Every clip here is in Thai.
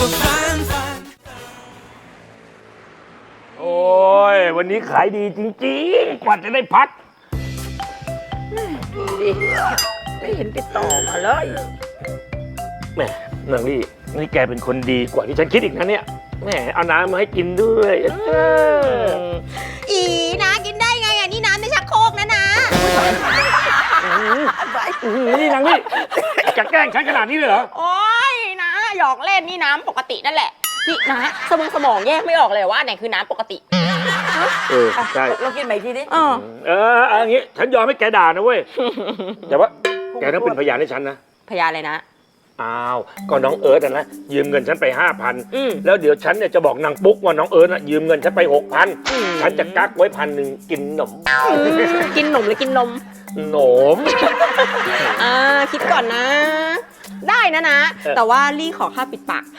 โอ้ยวันนี้ขายดีจริงๆกว่าจะได้พักดิไม่เห็นติดต่อมาเลยแหมนางลี่นี่แกเป็นคนดีกว่าที่ฉันคิดอีกนะเนี่ยแหมเอาน้ำมาให้กินด้วยอีนะกินได้ไงอ่ะนี่น้ำในชักโครกนะนี่นางลี่จะแกล้งฉันขนาดนี้เลยเหรอโอ๊ยนะหยอกเล่นนี่น้ำปกตินั่นแหละนี่นะสมองแยกไม่ออกเลยว่าไหนคือน้ำปกติใช่เรากินใหม่ทีดิอย่างงี้ฉันยอมให้แกด่านะเว้ยแต่ว่าแกต้องเป็นพยานให้ฉันนะพยานอะไรนะอ้าวก็น้องเอิร์ธนะยืมเงินฉันไป 5,000แล้วเดี๋ยวฉันเนี่ยจะบอกนางปุ๊กว่าน้องเอิร์ธยืมเงินฉันไป 6,000ฉันจะกักไว้1,000กินนมกินนมหรือกินนมนมคิดก่อนนะได้นะแต่ว่าลี่ขอค่าปิดปาก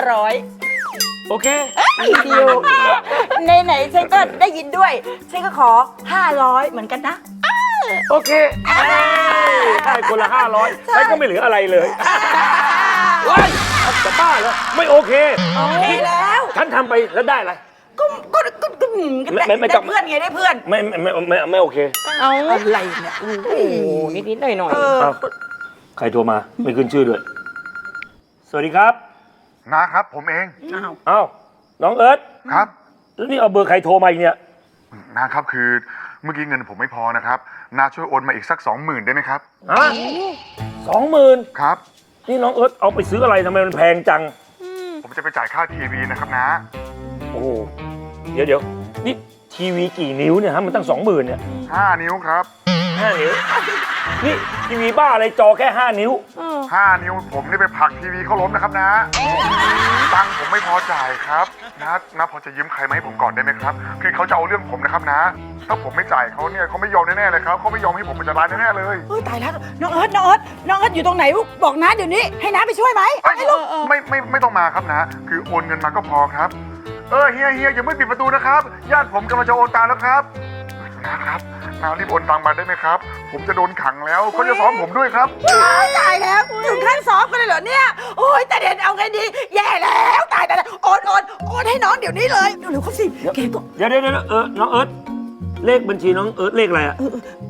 500 โอเคดิวไหนฉันก็ได้ยินด้วยฉันก็ขอ500เหมือนกันนะโอเคได้คนละ500ฉันก็ไม่เหลืออะไรเลยว้ายจะบ้าเหรอไม่โอเคแล้วฉันทำไปแล้วได้อะไรก็ได้เพื่อนไงได้เพื่อนไม่โอเคเอาอะไรเนี่ยโอ้นิดหน่อยใครโทรมาไม่ขึ้นชื่อด้วยสวัสดีครับนะครับผมเองอ้าวน้องเอิร์ธครับแล้วนี่เอาเบอร์ใครโทรมาอีกเนี่ยนะครับคือเมื่อกี้เงินผมไม่พอนะครับนาช่วยโอนมาอีกสัก 20,000ได้ไหมครับฮะ20,000 ครับนี่น้องเอิร์ธเอาไปซื้ออะไรทำไมมันแพงจังผมจะไปจ่ายค่าทีวีนะครับนะโอ้เดี๋ยวนี่ทีวีกี่นิ้วเนี่ยฮะมันตั้ง 20,000เนี่ย 5 นิ้วครับ 5 นิ้วนี่ทีวีบ้าอะไรจอแค่5 นิ้ว 5 นิ้วผมนี่ไปผลักทีวีเขาล้มนะครับนะตังค์ผมไม่พอจ่ายครับนะพอจะยืมใครมาให้ผมก่อนได้ไหมครับคือเขาจะเอาเรื่องผมนะครับนะถ้าผมไม่จ่ายเขาเนี่ยเขาไม่ยอมแน่ๆเลยครับเขาไม่ยอมให้ผมเป็นจะร้ายแน่ๆเลยตายแล้วน้องเอิร์ธอยู่ตรงไหนบอกน้าเดี๋ยวนี้ให้น้าไปช่วยไหมไม่ต้องมาครับนะคือโอนเงินมาก็พอครับเฮียอย่าไม่ปิดประตูนะครับญาติผมกำลังจะโอนตังค์แล้วครับนะครับนารีบโอนตังค์มาได้ไหมครับผมจะโดนขังแล้วเขาจะซ้อมผมด้วยครับตายแล้วถึงขั้นซ้อมกันเลยเหรอเนี่ยโอ้ยแต่เด่นเอาไงดีแย่แล้วตายโอนให้น้องเดี๋ยวนี้เลยเร็วเขาสิแกก็เดี๋ยวน้องเอิร์ธเลขบัญชีน้องเอิร์ธเลขอะไรอะ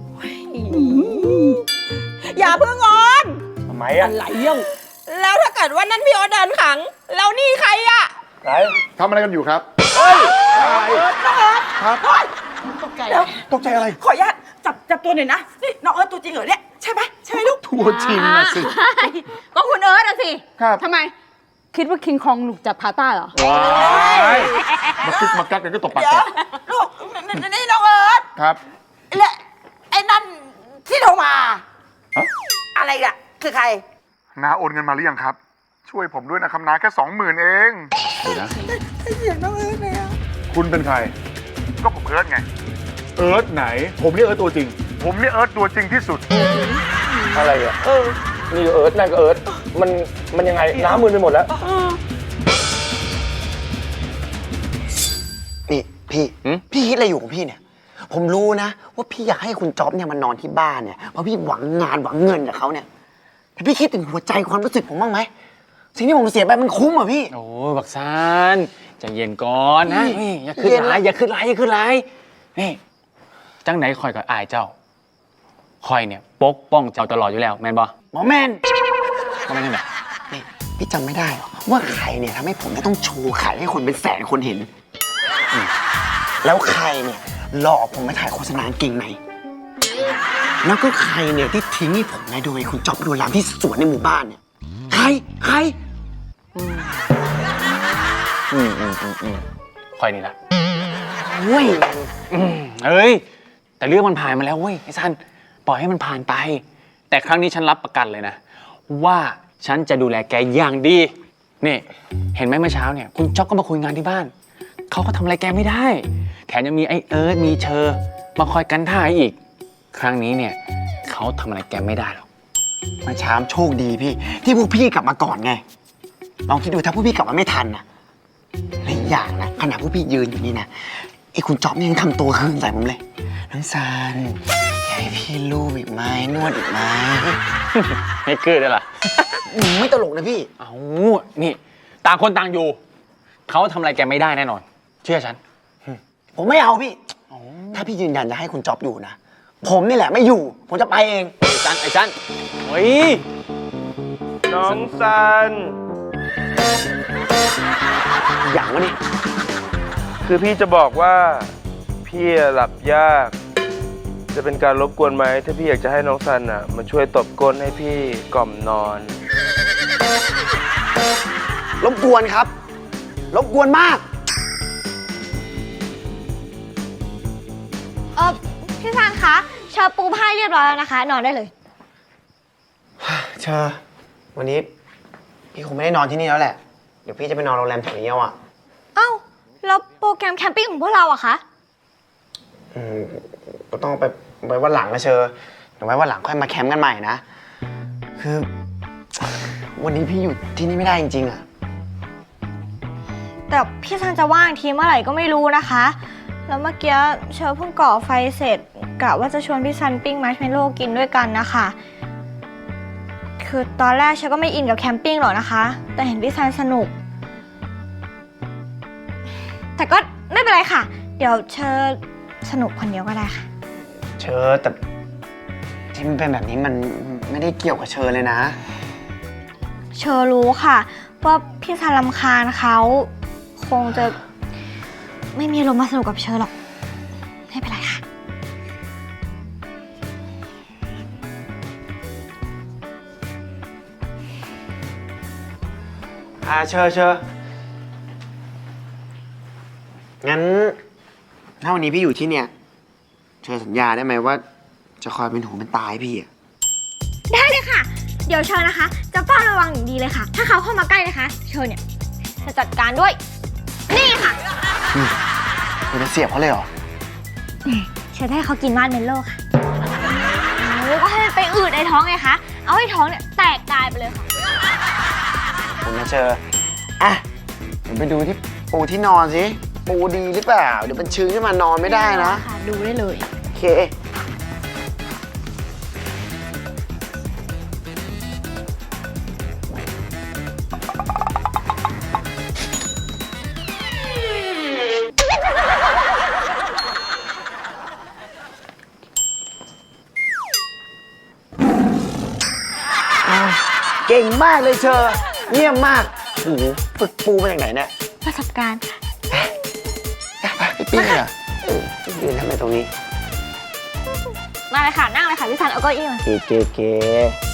อย่าเพิ่งโอนทำไมอะอะไรเล่าแล้วถ้าเกิดว่านั้นพี่โอนเดินขังแล้วนี่ใครอะใครทำอะไรกันอยู่ครับครับตกใจอะไรขออนุญาตจับตัวหน่อยนะนี่น้องเอิร์ธตัวจริงเหรอเนี่ยใช่ไหมลูกตัวจริงนะสิก็คุณเอิร์ธอะสิครับทำไมคิดว่าคิงคองหลุกจับพาต้าเหรอว้ายมากักกันก็ตบปากลูกนี่น้องเอิร์ธครับและไอ้นั่นที่โทรมาอะไรอะคือใครน้าโอนเงินมาหรือยังครับช่วยผมด้วยนะครับน้าแค่ 20,000เองเดี๋ยวนะเสียงน้องเอิร์ธเลยอะคุณเป็นใครก็ผมเอิร์ธไงเอิร์ธไหนผมเรียกเอิร์ธตัวจริงผมเรียกเอิร์ธตัวจริงที่สุดอะไรอ่ะนี่เอิร์ธนั่นก็เอิร์ธมันยังไงน้ำมือไปหมดแล้วนี่พี่คิดอะไรอยู่ของพี่เนี่ยผมรู้นะว่าพี่อยากให้คุณจ๊อบเนี่ยมานอนที่บ้านเนี่ยเพราะพี่หวังงานหวังเงินจากเขาเนี่ยแต่พี่คิดถึงหัวใจความรู้สึกผมบ้างไหมสิ่งที่ผมเสียไปมันคุ้มอ่ะพี่โอ้บักซานใจเย็นก่อนนะอย่าขึ้นไรนี่จังไหนคอยกับอายเจ้าคอยเนี่ยปกป้องเจ้าตลอดอยู่แล้วแมนบอหมอแมนก็ไม่ใช่แบบนี่พี่จำไม่ได้หรอว่าใครเนี่ยทำให้ผมต้องโชว์ไข่ให้คนเป็นแสนคนเห็นแล้วใครเนี่ยหลอกผมไปถ่ายโฆษณาเก่งไหนแล้วก็ใครเนี่ยที่ทิ้งให้ผมในโดยคุณจ๊อบดูแลที่สวนในหมู่บ้านเนี่ยใครคอยนี่ละเว้ยเอ้ยแต่เรื่องมันผ่านมาแล้วเว้ยไอ้ซันปล่อยให้มันผ่านไปแต่ครั้งนี้ฉันรับประกันเลยนะว่าฉันจะดูแลแกอย่างดีนี่เห็นไหมเมื่อเช้าเนี่ยคุณจ๊อบก็มาคุยงานที่บ้านเขาก็ทำอะไรแกไม่ได้แถมยังมีไอ้เอิร์ธมีเชอร์มาคอยกันท่าอีกครั้งนี้เนี่ยเขาทำอะไรแกไม่ได้หรอกมาเช้าโชคดีพี่ที่พวกพี่กลับมาก่อนไงลองคิดดูถ้าพวกพี่กลับมาไม่ทันนะและอีกอย่างนะขณะพวกพี่ยืนอยู่นี่นะไอ้คุณจ๊อบยังทำตัวคืนใส่ผมเลยน้องซันอยากให้พี่ลูบอีกไหมนวดอีกไหมไม่เกิดเลยล่ะไม่ตลกนะพี่เอานี่ต่างคนต่างอยู่ เขาทำอะไรแกไม่ได้แน่นอน เชื่อฉันผมไม่เอาพี่ ถ้าพี่ยืนยันจะให้คุณจ๊อบอยู่นะ ผมนี่แหละไม่อยู่ ผมจะไปเองไอ้จันเฮ้ยน้องซันอย่างวะนี่คือพี่จะบอกว่าพี่หลับยาก จะเป็นการรบกวนไหมถ้าพี่อยากจะให้น้องซันอ่ะมาช่วยตบก้นให้พี่กล่อมนอนรบกวนครับ รบกวนมากพี่ซันคะเชอปูผ้าเรียบร้อยแล้วนะคะ นอนได้เลยเชอวันนี้พี่คงไม่ได้นอนที่นี่แล้วแหละ เดี๋ยวพี่จะไปนอนโรงแรมแถวนี้เอาอะเอ้า แล้วโปรแกรมแคมปิ้งของพวกเราอะคะก็ต้องไปไว้วันหลังนะเชอเดี๋ยวไว้วันหลังค่อยมาแคมป์กันใหม่นะ คือ วันนี้พี่อยู่ที่นี่ไม่ได้จริงๆอะแต่พี่ซันจะว่างทีเมื่อไหร่ก็ไม่รู้นะคะ แล้วเมื่อกี้เชอเพิ่งก่อไฟเสร็จกะว่าจะชวนพี่ซันปิ้งมัชเมลโล่กินด้วยกันนะคะ คือตอนแรกเชอก็ไม่อินกับแคมปิ้งหรอกนะคะ แต่เห็นพี่ซันสนุก แต่ก็ไม่เป็นไรค่ะ เดี๋ยวเชอสนุกคนเดียวก็ได้ค่ะเชอแต่ที่มันเป็นแบบนี้มันไม่ได้เกี่ยวกับเชอเลยนะเชอรู้ค่ะว่าพี่ซันรำคาญเขาคงจะไม่มีอารมณ์มาสนุกกับเชอหรอกไม่เป็นไรค่ะเชองั้น ถ้าวันนี้พี่อยู่ที่เนี่ย เชอสัญญาได้ไหมว่า จะคอยเป็นหูเป็นตาให้พี่อะได้เลยค่ะ เดี๋ยวเชอนะคะ จะเฝ้าระวังอย่างดีเลยค่ะ ถ้าเขาเข้ามาใกล้นะคะ เชอเนี่ยจะจัดการด้วย นี่ค่ะคุณจะเสียบเขาเลยเหรอเชอจะให้เขากินมาร์ชเมลโล่ค่ะแล้วก็ให้มันไปอืดในท้องไงคะ เอาให้ท้องเนี่ยแตกตายไปเลยค่ะผมนะเชออ่ะเดี๋ยวไปดูที่ปูที่นอนสิ ปูดีหรือเปล่า เดี๋ยวมันชื้นขึ้นมานอนไม่ได้นะค่ะ ดูได้เลยโอเค เก่งมากเลยเชอเยี่ยมมากโอ้โหฝึกปูมาจากไหนเนี่ยประสบการณ์ไปปิ้งเหรอยืนทำไมตรงนี้มาเลยค่ะ นั่งเลยค่ะพี่ซันเอาเก้าอี้มาเก๋